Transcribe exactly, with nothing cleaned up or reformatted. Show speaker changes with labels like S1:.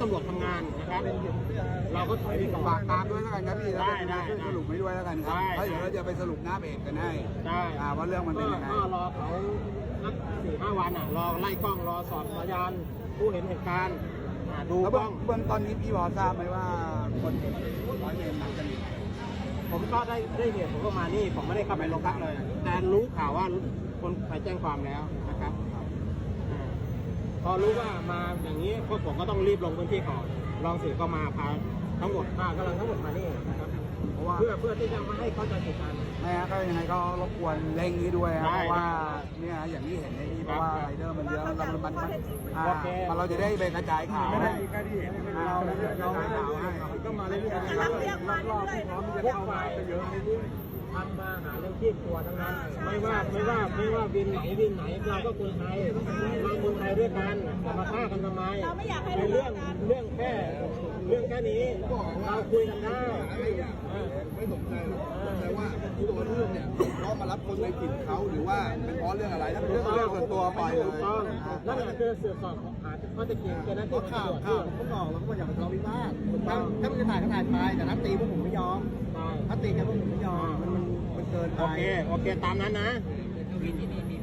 S1: ตำรวจทำงานนะครับเราก็ถอยไปก่อน
S2: ฝากตามด้วยแล้วกันครับพี่
S1: ได้ได้
S2: ช่วยสรุปให้ด้วยแล้วกันครับเพราะเดี๋ยวเราจะไปสรุปหน้าเพจกันให้
S1: ได้
S2: ว่าเรื่องมันเป็นยังไง
S1: ก็รอเขาสักสี่ห้าวันอ่ะรอไล่กล้องรอสอบพยานผู้เห็นเหตุการณ์ดู
S2: แล้ว
S1: กล้อง
S2: เบื้องตอนนี้พี่พอทราบไหมว่าคนร้อยเวรนัดกันอยู่
S1: ผมก็ได้ได้เหตุผมก็มานี่ผมไม่ได้เข้าไปโรงพักเลย แต่รู้ข่าวว่าคนไปแจ้งความแล้วนะครับพอรู้ว่ามาอย่างนี้พวกผมก็ต้องรีบลงพื้นที่ก่อนรองสื่อก็มาพาทั้งหมดพากำลังทั้งหมดมานี่นะครับ
S2: เพราะว่า
S1: เพื่อเพื่อที่จะมาให้เข้าใจเหตุการณ์
S2: ไม่ฮะก็ยังไงก็รบกวนเร่งนี้ด้วยครับ
S1: ได้
S2: เพราะว่าเนี่ยอย่างที่เห็นในนี้เพราะว่าไรเดอร์มันเยอะแล้วมันมันอ่ามันเราจะได้ไปกระจายข่าวให้เราเรากระจายข่าวให้ก็มาเรื่อยๆรอบๆที่พร้อมที่จะเข้ามาเยอะในนี้
S1: ทำมาหาเรื่องชีพตัวทั้งนั้นไม่ว่าไม่ว่าไม่ว่าวินไหนวินไหนเราก็คนไทยเราคนไทยด้วยกันจะมาฆ่ากันทำไมในเรื่องเรื่องแค่เรื่องแค่นี้เราคุยกันได้
S3: ไม่สนใจหรอกแต่ว่าตัวเรื่องเนี่ยเขามารับคนในถิ่นเขาหรือว่าเป็นเพราะเรื่องอะไรถ้าเป็นเรื่อง
S2: เรื่องส่วนตัวปล่อยเลย
S1: ถูกต้องนั่นแหละคือสืบสอบหาข้อเท็จจริงเจ้าหน้าที่
S3: ข่าว
S1: ตำรวจ
S3: ข่าวเขาบอกแล้วก็มาอยากเป็นทะเลาะวิวาทถ้าถ้ามันจะถ่ายก็ถ่ายไปแต่นัดตีพวกผมไม่ยอม
S1: ใช่
S3: ถ้าตีกันพวกผมไม่ยอมมันมันมันเกินไป
S1: โอเคโอเคตามนั้นนะ
S4: วินที่นี่มี